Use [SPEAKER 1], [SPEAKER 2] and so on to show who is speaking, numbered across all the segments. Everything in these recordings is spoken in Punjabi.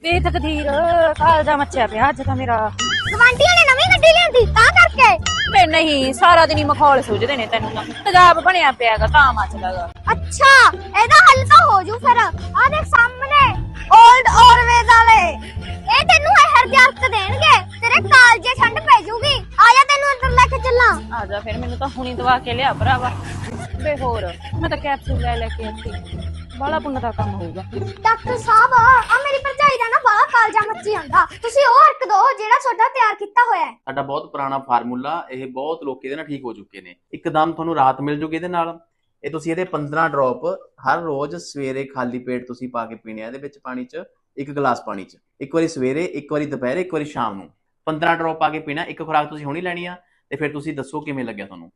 [SPEAKER 1] ਵੇ ਤਕਦੀਰ ਕਾਲਜਾ ਮੱਚਿਆ ਪਿਆ ਅੱਜ ਤਾਂ ਮੇਰਾ।
[SPEAKER 2] ਗਵਾਂਢੀਆਂ ਨੇ ਨਵੀਂ ਗੱਡੀ ਲਿਆਂਦੀ ਤਾਂ ਕਰਕੇ।
[SPEAKER 1] ਵੇ ਨਹੀਂ, ਸਾਰਾ ਦਿਨ ਹੀ ਮਖੌਲ ਸੁਝਦੇ ਨੇ ਤੈਨੂੰ ਤਾਂ। ਤੇਜ਼ਾਬ ਬਣਿਆ ਪਿਆਗਾ ਤਾਂ ਮੱਚਦਾਗਾ।
[SPEAKER 2] ਅੱਛਾ, ਇਹਦਾ ਹੱਲ ਤਾਂ ਹੋ ਜੂ ਫਿਰ। ਆ ਦੇਖ ਸਾਹਮਣੇ 올ਡ ਔਰਵੇਜ਼ ਵਾਲੇ, ਇਹ ਤੈਨੂੰ ਇਹ ਹਰਜਤ ਦੇਣਗੇ, ਤੇਰੇ ਕਾਲਜੇ ਠੰਡ ਪੈ ਜੂਗੀ। ਆ ਜਾ ਤੈਨੂੰ ਅੰਦਰ ਲੈ ਕੇ ਚੱਲਾਂ।
[SPEAKER 1] ਆ ਜਾ ਫਿਰ, ਮੈਨੂੰ ਤਾਂ ਹੁਣੀ ਦਵਾ ਕੇ ਲਿਆ ਭਰਾਵਾ। ਵੇ ਹੋਰ, ਮੈਂ ਤਾਂ ਕੈਪਸੂਲ ਲੈ ਕੇ ਆਤੀ। ਬਾਲਾ ਪੁੰਨ ਦਾ ਕੰਮ ਹੋਊਗਾ।
[SPEAKER 2] ਡਾਕਟਰ ਸਾਹਿਬ, ਆ ਮੇਰੀ ਭਰਜਾਈ ਦਾ ਨਾ ਬਾਹਲਾ ਕਾਲਜਾ ਮੱਚੀ ਜਾਂਦਾ, ਤੁਸੀਂ ਉਹ ਅਰਕ ਦੋ ਜਿਹੜਾ ਤੁਹਾਡਾ ਤਿਆਰ ਕੀਤਾ ਹੋਇਆ ਹੈ।
[SPEAKER 3] ਸਾਡਾ ਬਹੁਤ ਪੁਰਾਣਾ ਫਾਰਮੂਲਾ, ਇਹ ਬਹੁਤ ਲੋਕ ਇਹਦੇ ਨਾਲ ਠੀਕ ਹੋ ਚੁੱਕੇ ਨੇ। ਇੱਕਦਮ ਤੁਹਾਨੂੰ ਰਾਹਤ ਮਿਲ ਜੂਗੀ ਇਹਦੇ ਨਾਲ। ਇਹ ਤੁਸੀਂ ਇਹਦੇ 15 ਡ੍ਰੌਪ ਹਰ ਰੋਜ਼ ਸਵੇਰੇ ਖਾਲੀ ਪੇਟ ਤੁਸੀਂ ਪਾ ਕੇ ਪੀਣੇ ਆ। ਇਹਦੇ ਵਿੱਚ ਪਾਣੀ 'ਚ 1 ਗਲਾਸ ਪਾਣੀ 'ਚ ਇੱਕ ਵਾਰੀ ਸਵੇਰੇ, ਇੱਕ ਵਾਰੀ ਦੁਪਹਿਰੇ, ਇੱਕ ਵਾਰੀ ਸ਼ਾਮ ਨੂੰ 15 ਡ੍ਰੌਪ ਪਾ ਕੇ ਪੀਣਾ। ਇੱਕ ਖੁਰਾਕ ਤੁਸੀਂ ਹੁਣੀ ਲੈਣੀ ਆ ਤੇ ਫਿਰ ਤੁਸੀਂ ਦੱਸੋ ਕਿਵੇਂ ਲੱਗਿਆ ਤੁਹਾਨੂੰ।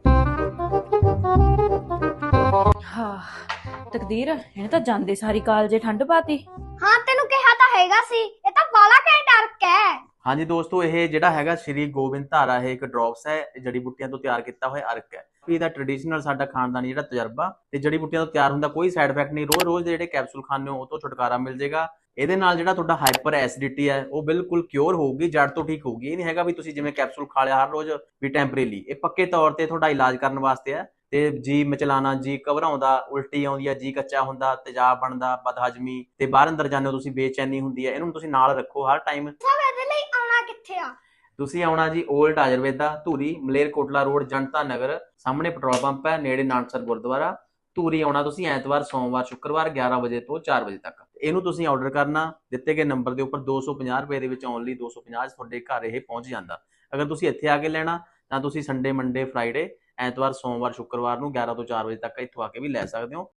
[SPEAKER 1] ਹਾਂ ਤਕਦੀਰ, ਇਹਨੇ ਤਾਂ ਜਾਂਦੇ ਸਾਰੀ ਕਾਲਜੇ ਠੰਡ ਪਾਤੀ।
[SPEAKER 2] ਹਾਂ ਤੈਨੂੰ ਕਿਹਾ ਤਾਂ ਹੈਗਾ ਸੀ, ਇਹ ਤਾਂ ਬਾਲਾ ਘੈਂਟ ਅਰਕ ਹੈ।
[SPEAKER 3] ਹਾਂਜੀ ਦੋਸਤੋ, ਇਹ ਜਿਹੜਾ ਹੈਗਾ ਸ਼੍ਰੀ ਗੋਬਿੰਦ ਧਾਰਾ, ਇਹ ਇੱਕ ਡ੍ਰੌਪਸ ਹੈ। ਇਹ ਜੜੀ ਬੂਟੀਆਂ ਤੋਂ ਤਿਆਰ ਕੀਤਾ ਹੋਇਆ ਅਰਕ ਹੈ। ਇਹਦਾ ਟ੍ਰੈਡੀਸ਼ਨਲ ਸਾਡਾ ਖਾਨਦਾਨੀ ਜਿਹੜਾ ਤਜਰਬਾ ਤੇ ਜੜੀ ਬੂਟੀਆਂ ਤੋਂ ਤਿਆਰ ਹੁੰਦਾ, ਕੋਈ ਸਾਈਡ ਇਫੈਕਟ ਨਹੀਂ। ਰੋਜ਼ ਦੇ ਜਿਹੜੇ ਕੈਪਸੂਲ ਖਾਂਦੇ ਹੋ ਉਹ ਤੋਂ ਛੁਟਕਾਰਾ ਮਿਲ ਜਾਏਗਾ। ਇਹਦੇ ਨਾਲ ਜਿਹੜਾ ਤੁਹਾਡਾ ਹਾਈਪਰ ਐਸਿਡਿਟੀ ਹੈ ਉਹ ਬਿਲਕੁਲ ਕਿਉਰ ਹੋਊਗੀ, ਜੜ ਤੋਂ ਠੀਕ ਹੋਊਗੀ। ਇਹ ਨਹੀਂ ਹੈਗਾ ਵੀ ਤੁਸੀਂ ਜਿਵੇਂ ਕੈਪਸੂਲ ਖਾ ਲਿਆ ਹਰ ਰੋਜ਼ ਵੀ ਟੈਂਪਰੇਰੀ। ਇਹ ਪੱਕੇ ਤੌਰ ਤੇ ਤੁਹਾਡਾ ਇਲਾਜ ਕਰਨ ਵਾਸਤੇ ਹੈ। ਤੇ ਜੀ ਮਚਲਾਣਾ, ਜੀ ਘਬਰਾਉਂਦਾ, ਉਲਟੀ ਆਉਂਦੀ ਹੈ, ਜੀ ਕੱਚਾ ਹੁੰਦਾ, ਤੇਜ਼ਾਬ ਬਣਦਾ, ਬਦਹਜਮੀ ਤੇ ਬਾਹਰ ਅੰਦਰ ਜਾਂਦੇ ਹੋ ਤੁਸੀਂ, ਬੇਚੈਨੀ ਹੁੰਦੀ ਹੈ, ਇਹਨੂੰ ਤੁਸੀਂ ਨਾਲ ਰੱਖੋ ਹਰ ਟਾਈਮ।
[SPEAKER 2] ਸਭ ਇਹਦੇ ਲਈ ਆਉਣਾ ਕਿੱਥੇ ਆ?
[SPEAKER 3] ਤੁਸੀਂ ਆਉਣਾ ਜੀ 올ਡ ਆਯੁਰਵੇਦਾ, ਧੂਰੀ, ਮਲੇਰਕੋਟਲਾ ਰੋਡ, ਜਨਤਾ ਨਗਰ, ਸਾਹਮਣੇ ਪੈਟਰੋਲ ਪੰਪ ਹੈ, ਨੇੜੇ ਨਾਨਕਸਰ ਗੁਰਦੁਆਰਾ। ਧੂਰੀ ਆਉਣਾ ਤੁਸੀਂ ਐਤਵਾਰ, ਸੋਮਵਾਰ, ਸ਼ੁੱਕਰਵਾਰ 11 ਵਜੇ ਤੋਂ 4 ਵਜੇ ਤੱਕ। ਇਹਨੂੰ ਤੁਸੀਂ ਆਰਡਰ ਕਰਨਾ ਦਿੱਤੇ ਗਏ ਨੰਬਰ ਦੇ ਉੱਪਰ। 250 ਰੁਪਏ ਦੇ ਵਿੱਚ ਓਨਲੀ 250 ਤੁਹਾਡੇ ਘਰ ਇਹ ਪਹੁੰਚ ਜਾਂਦਾ। ਅਗਰ ਤੁਸੀਂ ਇੱਥੇ ਆ ਕੇ ਲੈਣਾ ਤਾਂ ਤੁਸੀਂ ਸੰਡੇ, ਮੰਡੇ, ਫਰਾਈਡੇ, ਐਤਵਾਰ, ਸੋਮਵਾਰ, ਸ਼ੁੱਕਰਵਾਰ ਨੂੰ 11 ਤੋਂ 4 ਵਜੇ ਤੱਕ ਇੱਥੋਂ ਆ ਕੇ ਵੀ ਲੈ ਸਕਦੇ ਹੋ।